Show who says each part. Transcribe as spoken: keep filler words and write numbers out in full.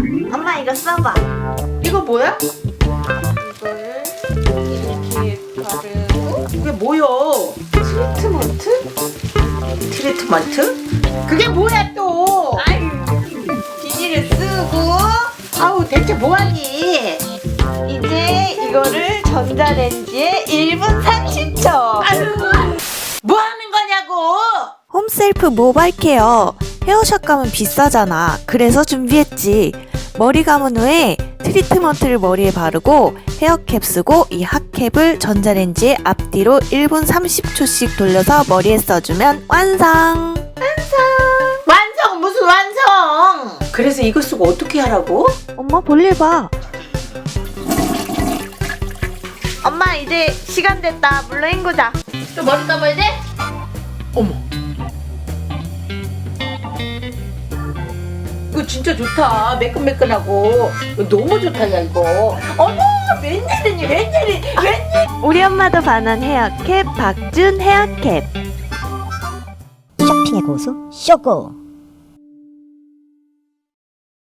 Speaker 1: 엄마 이거 써봐.
Speaker 2: 이거 뭐야?
Speaker 1: 이거를 이렇게 바르고.
Speaker 2: 이게 뭐야?
Speaker 1: 트리트먼트?
Speaker 2: 트리트먼트? 그게 뭐야 또?
Speaker 1: 아유, 비닐을 쓰고
Speaker 2: 아우 대체 뭐하니?
Speaker 1: 이제 이거를 전자레인지에 일 분 삼십 초.
Speaker 2: 아유, 뭐하는 거냐고?
Speaker 3: 홈셀프 모바일 케어. 헤어샷 감은 비싸잖아. 그래서 준비했지. 머리 감은 후에 트리트먼트를 머리에 바르고 헤어캡 쓰고 이 핫캡을 전자레인지에 앞뒤로 일 분 삼십 초씩 돌려서 머리에 써주면 완성!
Speaker 2: 완성 무슨 완성? 그래서 이거 쓰고 어떻게 하라고?
Speaker 3: 엄마 볼일 봐.
Speaker 1: 엄마 이제 시간 됐다. 물로 헹구자. 또 머리 감아야 돼?
Speaker 2: 어머, 이거 진짜 좋다. 매끈매끈하고 너무 좋다 야 이거. 어머, 웬일이니 웬일이 웬일?
Speaker 3: 우리 엄마도 반한 헤어캡 박준 헤어캡.
Speaker 4: 쇼핑의 고수 쇼고.